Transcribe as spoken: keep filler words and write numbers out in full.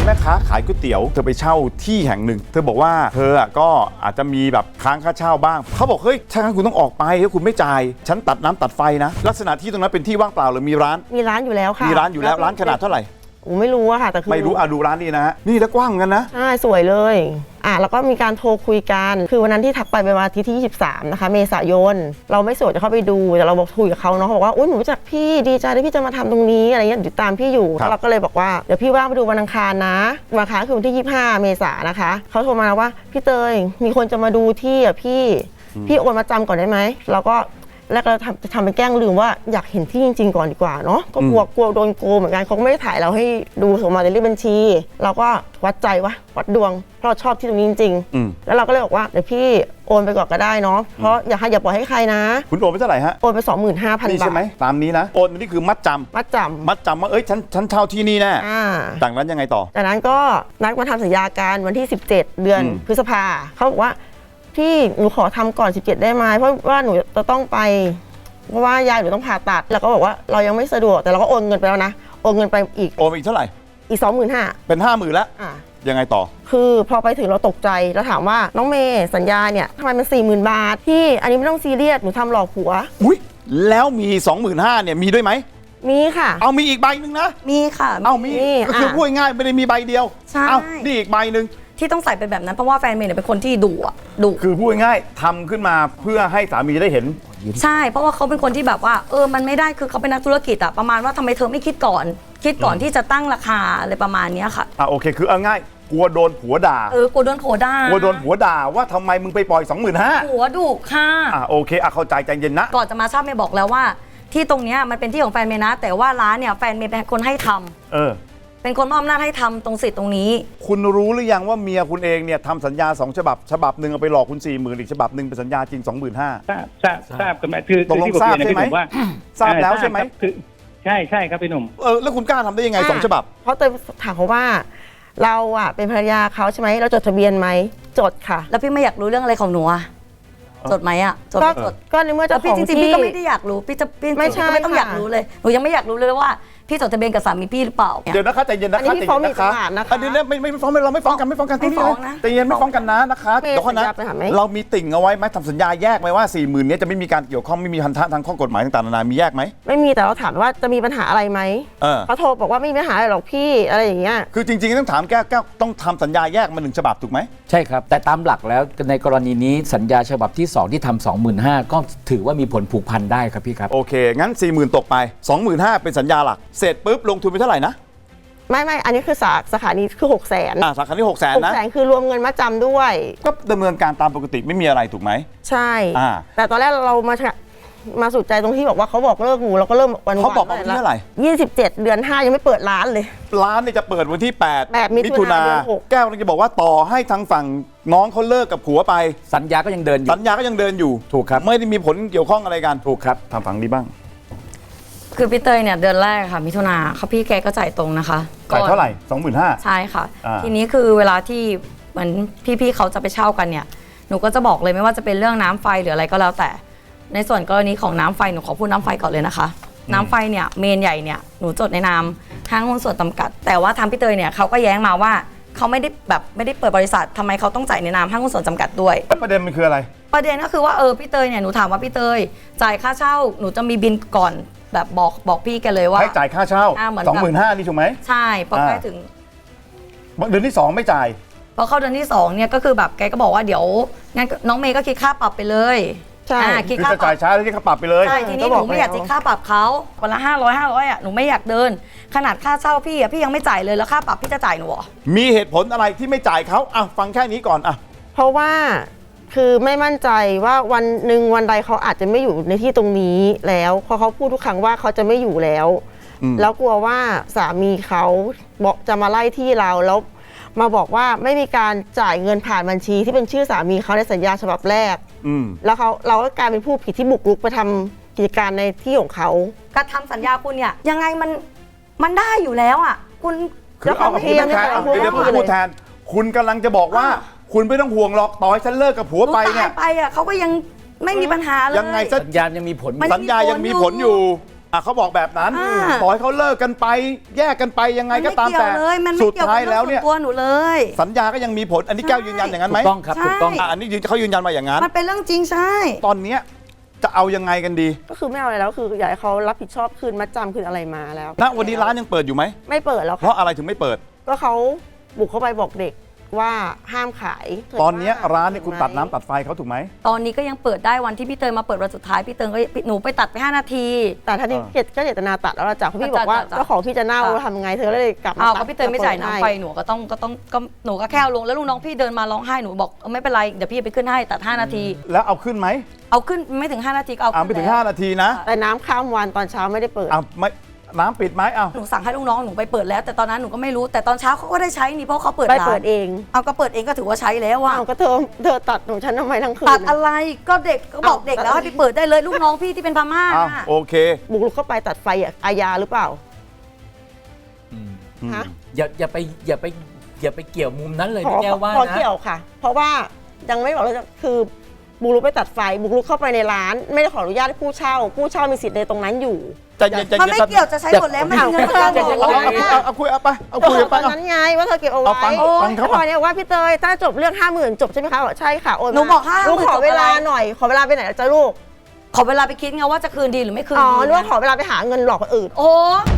แม่ค้าขายก๋วยเตี๋ยวเธอไปเช่าที่แห่งหนึ่งเธอบอกว่าเธอก็อาจจะมีแบบค้างค่าเช่าบ้างเขาบอกเฮ้ยถ้างั้นคุณต้องออกไปถ้าคุณไม่จ่ายฉันตัดน้ำตัดไฟนะลักษณะที่ตรงนั้นเป็นที่ว่างเปล่าหรือมีร้านมีร้านอยู่แล้วค่ะมีร้านอยู่แล้วร้านขนาดเท่าไหร่ผมไม่รู้อะค่ะแต่คือไม่รู้อ่ะดูร้านนี้นะฮะนี่แล้วกว้างกันนะใช่สวยเลยอ่ะแล้วก็มีการโทรคุยกันคือวันนั้นที่ทักไปเป็นวันอาทิตย์ที่ยี่สิบสามนะคะเมษายนเราไม่สะดวกจะเข้าไปดูแต่เราบอกคุยกับเขาเนาะเขาบอกว่าอุ้ยหนูรู้จักพี่ดีใจที่พี่จะมาทำตรงนี้อะไรเงี้ยอยู่ตามพี่อยู่เราก็เลยบอกว่าเดี๋ยวพี่ว่างไปดูวันอังคารนะวันอังคารคือวันที่ยี่สิบห้าเมษายนนะคะเขาโทรมาว่าพี่เตยมีคนจะมาดูที่อ่ะพี่พี่โอนมาจำก่อนได้ไหมเราก็แล้วก็ทำจะทำเป็นแกล้งลืมว่าอยากเห็นที่จริงๆก่อนดีกว่าเนาะก็กลัวกลัวโดนโกงเหมือนกันเขาไม่ได้ถ่ายเราให้ดูส่งมาในเลขบัญชีเราก็วัดใจวะวัดดวงเพราะเราชอบที่ตรงนี้จริงๆแล้วเราก็เลยบอกว่าเดี๋ยวพี่โอนไปก่อนก็ได้เนาะเพราะอย่าให้อย่าปล่อยให้ใครนะคุณโอนไปเท่าไหร่ฮะโอนไป สองหมื่นห้าพัน บาทใช่ไหมตามนี้นะโอนนี่คือมัดจำมัดจำมัดจำว่าเอ้ยฉันฉันเช่าที่นี่แน่จากนั้นยังไงต่อจากนั้นก็นัดมาทำสัญญาการวันที่สิบเจ็ดเดือนพฤษภาเขาบอกว่าพี่หนูขอทำก่อนสิบเจ็ดได้ไหมเพราะว่าหนูจะต้องไปเพราะว่ายายหนูต้องผ่าตัดแล้วก็บอกว่าเรายังไม่สะดวกแต่เราก็โอนเงินไปแล้วนะโอนเงินไปอีกโอนอีกเท่าไหร่อีกสองหมื่นห้าเป็นห้าหมื่นแล้วยังไงต่อคือพอไปถึงเราตกใจแล้วถามว่าน้องเมย์สัญญาเนี่ยทำไมมันสี่หมื่นบาทพี่อันนี้ไม่ต้องซีเรียสหนูทำหลอกผัวอุ้ยแล้วมีสองหมื่นห้าเนี่ยมีด้วยไหมมีค่ะเอามีอีกใบหนึ่งนะมีค่ะเอามีก็คือพูดง่ายไม่ได้มีใบเดียวใช่เอานี่อีกใบหนึ่งที่ต้องใส่เป็นแบบนั้นเพราะว่าแฟนเมย์เนี่ยเป็นคนที่ดุอ่ะดุคือพูดง่ายทำขึ้นมาเพื่อให้สามีได้เห็นใช่เพราะว่าเขาเป็นคนที่แบบว่าเออมันไม่ได้คือเขาเป็นนักธุรกิจอะประมาณว่าทำไมเธอไม่คิดก่อนคิดก่อนที่จะตั้งราคาอะไรประมาณนี้ค่ะอ่ะโอเคคือเอาง่ายกลัวโดนผัวด่าเออกลัวโดนผัวด่ากลัวโดนผัวด่าว่าทำไมมึงไปปล่อย สองหมื่นห้าพันผัวดุค่ะอ่ะโอเคอ่ะเข้าใจใจเย็นนะก่อนจะมาทราบเมย์บอกแล้วว่าที่ตรงเนี้ยมันเป็นที่ของแฟนเมย์นะแต่ว่าร้านเนี่ยแฟนเมย์เป็นคนให้ทำเออเป็นคนมอบอำนาจให้ทำตรงสิทธิ์ตรงนี้คุณรู้หรือยังว่าเมียคุณเองเนี่ยทำสัญญาสองฉบับฉบับหนึ่งเอาไปหลอกคุณสี่หมื่นอีกฉบับหนึ่งเป็นสัญญาจริงสองหมื่นห้าทราบทราบทราบกันไหมคือตกลงทราบใช่ไหมทราบแล้วใช่ไหมใช่ใช่ครับพี่หนุ่มเออแล้วคุณกล้าทำได้ยังไงสองฉบับเพราะเตยถามเขาว่าเราอ่ะเป็นภรรยาเขาใช่ไหมเราจดทะเบียนไหมจดค่ะแล้วพี่ไม่อยากรู้เรื่องอะไรของหนูอะจดไหมอ่ะจดจดก็ในเมื่อเจ้าของที่จริงๆพี่ก็ไม่ได้อยากรู้พี่จะพี่ไม่ใช่ไม่ต้องอยากรู้เลยหนูยังไม่อยากรู้เลยว่าพี่จดทะเบียนกับสามีพี่หรือเปล่าเดี๋ยวนะคะใจเย็นนะคะใจเย็นนะคะอันนี้เนี่ยไม่ไม่ฟ้องเราไม่ฟ้องกันไม่ฟ้องกันไม่ฟ้องนะใจเย็นไม่ฟ้องกันนะนะคะเดี๋ยวก่อนนะเรามีติ่งเอาไว้ไหมทำสัญญาแยกไหมว่าสี่หมื่นนี้จะไม่มีการเกี่ยวข้องไม่มีพันธะทางข้อกฎหมายต่างๆนานามีแยกไหมไม่มีแต่เราถามว่าจะมีปัญหาอะไรไหมเขาโทรบอกว่าไม่มีปัญหาอะไรหรอกพี่อะไรอย่างเงี้ยคือจริงๆต้องถามแก้แก้ต้องทำสัญญาแยกมาหนึ่งฉบับถูกไหมใช่ครับแต่ตามหลักแล้วในกรณีนี้สัญญาฉบับที่สองที่ทำ สองหมื่นห้าพัน ก็ถือว่ามีผลผูกพันได้ครับพี่ครับโอเคงั้น สี่หมื่น ตกไป สองหมื่นห้าพัน เป็นสัญญาหลักเสร็จปุ๊บลงทุนไปเท่าไหร่นะไม่ไม่อันนี้คือสาสาขานี้คือหกแสนอ่าสาขานี้หกแสนนะหกแสนคือรวมเงินมาจำด้วยก็ดำเนินการตามปกติไม่มีอะไรถูกไหมใช่อ่าแต่ตอนแรกเรามามาสุดใจตรงที่บอกว่าเขาบอกเลิกหนูเราก็เริ่มวันเขาบอกวันที่เท่าไหร่ยี่สิบเจ็ดเดือนห้ายังไม่เปิดร้านเลยร้านเนี่ยจะเปิดวันที่แปดมิถุนาแก้วจะบอกว่าต่อให้ทางฝั่งน้องเขาเลิกกับผัวไปสัญญาก็ยังเดินอยู่สัญญาก็ยังเดินอยู่ถูกครับไม่ได้มีผลเกี่ยวข้องอะไรกันถูกครับทางฝั่งนี้บ้างคือพี่เตยเนี่ยเดือนแรกค่ะมิถุนาเขาพี่แกก็จ่ายตรงนะคะจ่ายเท่าไหร่ สองหมื่นห้าพันใช่ค่ะทีนี้คือเวลาที่เหมือนพี่ๆเขาจะไปเช่ากันเนี่ยหนูก็จะบอกเลยไม่ว่าจะเป็นเรื่องน้ำไฟหรืออะไรก็แล้วแต่ในส่วนกรณีของน้ำไฟหนูขอพูดน้ำไฟก่อนเลยนะคะน้ำไฟเนี่ยเมนใหญ่เนี่ยหนูจดในนามห้างหุ้นส่วนจำกัดแต่ว่าทางพี่เตยเนี่ยเขาก็แย้งมาว่าเขาไม่ได้แบบไม่ได้เปิดบริษัททำไมเขาต้องจ่ายในนามห้างหุ้นส่วนจำกัดด้วยประเด็นมันคืออะไรประเด็นก็คือว่าเออพี่เตยเนี่ยหนูถามว่าพี่เตยจ่ายค่าเช่าหนูจะมีบินก่อนแบบบอกบอกพี่แกเลยว่าให้จ่ายค่าเช่า สองหมื่นห้าพัน นี่ถูกไหมใช่พอใกล้ถึงเดือนที่สองไม่จ่ายพอเข้าเดือนที่สองเนี่ยก็คือแบบแกก็บอกว่าเดี๋ยวงั้นน้องเมย์ก็คิดค่าปรับไปเลยใช่คิดค่าจ่ายช้าแล้วคิดค่าปรับไปเลยใช่ทีนี้หนูไม่อยากคิดค่าปรับเขาวันละห้าร้อยห้าร้อยอ่ะหนูไม่อยากเดินขนาดค่าเช่าพี่อ่ะพี่ยังไม่จ่ายเลยแล้วค่าปรับพี่จะจ่ายหนูหรอมีเหตุผลอะไรที่ไม่จ่ายเขาอ่ะฟังแค่นี้ก่อนอ่ะเพราะว่าคือไม่มั่นใจว่าวันหนึ่งวันใดเขาอาจจะไม่อยู่ในที่ตรงนี้แล้วเพราะเขาพูดทุกครั้งว่าเขาจะไม่อยู่แล้วแล้วกลัวว่าสามีเขาบอกจะมาไล่ที่เราแล้วมาบอกว่าไม่มีการจ่ายเงินผ่านบัญชีที่เป็นชื่อสามีเขาในสัญญาฉบับแรกแล้วเขาเราก็กลายเป็นผู้ผิดที่บุกรุกไปทำกิจการในที่ของเขาการทำสัญญาคุณเนี่ยยังไงมันมันได้อยู่แล้วอ่ะคุณคือเอาพูดแทนเดี๋ยวพูดแทนคุณกำลังจะบอกว่าคุณไม่ต้องห่วงหรอกต่อให้ฉันเลิกกับผัวไปเนี่ยไปอ่ะเขาก็ยังไม่มีปัญหาเลยยังไงสัญญายังมีผลสัญญายังมีผลอยู่อ่ะเขาบอกแบบนั้นอ่าต่อให้เขาเลิกกันไปแยกกันไปยังไงก็ตามแต่นไเกี่ยวเลยมันไม่สุดเกี่ยวท้ากัยบแล้วเรื่เนี่อย งส่วนตัวหนูเลยสัญญาก็ยังมีผลอันนี้แก้วยืนยันอย่างนั้นไหมถูกต้องครับใช่ถูกต้องอ่ะอันนี้ยืนเขายืนยันมาอย่างนั้นมันเป็นเรื่องจริงใช่ตอนเนี้ยจะเอายังไงกันดีก็คือไม่เอาอะไรแล้วคืออยากให้เขารับผิดชอบคืนมัดจำคืนอะไรมาแล้วณวันนี้ร้านยังเปิดอยู่ไหมไม่เปิดแล้วเพค่ะราะอะไรถึงไม่เปิดก็เขาบุกเข้าไปบอกเด็กว่าห้ามขายตอนเนี้ยร้านเนี่ยคุณตัดน้ำตัดไฟเขาถูกไหมตอนนี้ก็ยังเปิดได้วันที่พี่เตยมาเปิดวันสุดท้ายพี่เตยก็หนูไปตัดไปห้านาทีแต่ท่านี้อ่าเจตก็เจตนาตัดแล้วล่ะจ้ะเพราะพี่บอกว่าจ้ะจ้ะเจ้าของพี่จะเน่าจ้ะทำไงเธอเลยกลับมาอ้าวตัก็ดพี่เตยไม่จ่ายน้ำไฟให้หนูก็ต้องก็ต้องก็หนูก็แค่เอาลงแล้วลูกน้องพี่เดินมาร้องไห้หนูบอกเออไม่เป็นไรเดี๋ยวพี่ไปขึ้นให้ตัดห้านาทีแล้วเอาขึ้นไหมเอาขึ้นไม่ถึงห้านาทีก็เอาอ่าขึ้นไม่ถึงแล้วห้านาทีนะแต่น้ำข้ามวันตอนเช้าไม่ได้เปิดอ่าไม่น้ำปิดไหมอ้าวหนูสั่งให้ลูกน้องหนูไปเปิดแล้ว แต่ตอนนั้นหนูก็ไม่รู้แต่ตอนเช้าเขาก็ได้ใช้นี่เพราะเขาเปิดไปร้านเปิดเองเอาก็เปิดเองก็ถือว่าใช้แล้วอะอ้าวก็เธอเธอตัดของฉันทำไมทั้งคืนตัดอะไรก็เด็กก็บอกเอาเด็กแล้วตัดให้ไปเปิดได้เลยลูกน้องพี่ที่เป็นพม่าอ้าวน่ะโอเคบุกรุกเข้าไปตัดไฟอะอาญาหรือเปล่าอืมฮะอย่าอย่าไปอย่าไปอย่าไปเกี่ยวมุมนั้นเลยขอพี่แก้วว่าขอนะเกี่ยวค่ะ เพราะว่ายังไม่บอกเลยคือบุกรุกไปตัดไฟบุกรุกเข้าไปในร้าน ไม่ได้ขออนุญาตให้ผู้เช่า ผู้เช่ามีสิทธิ์ในตรงนั้นอยู่ใจเย็นใจมันเย็นไม่เกี่ยวจะใช้หมดแล้วมันมีเงินประกันอย่าหมอย่าดอย่าเอาเอาเอาคุยเอาไปเอาคุยก็ไปตอนเอานั้นไงว่าเธอเก็บเอาเอาไว้ฟังฟังเขาแล้วพอเนี่ยว่าพี่เตยถ้าจบเรื่องห้าหมื่นจบใช่ไหมคะบอกใช่ค่ะโอนมาหนูบอกห้าหมื่นลูกขอจบอะไรเวลาหน่อย ขอเวลาไปไหนล่ะจ๊ะลูกขอเวลาไปคิดไงว่าจะคืนดีหรือไม่คืนอ๋อดีนึกว่าขอเวลาไปหาเงินหลอกคนอื่นโอ้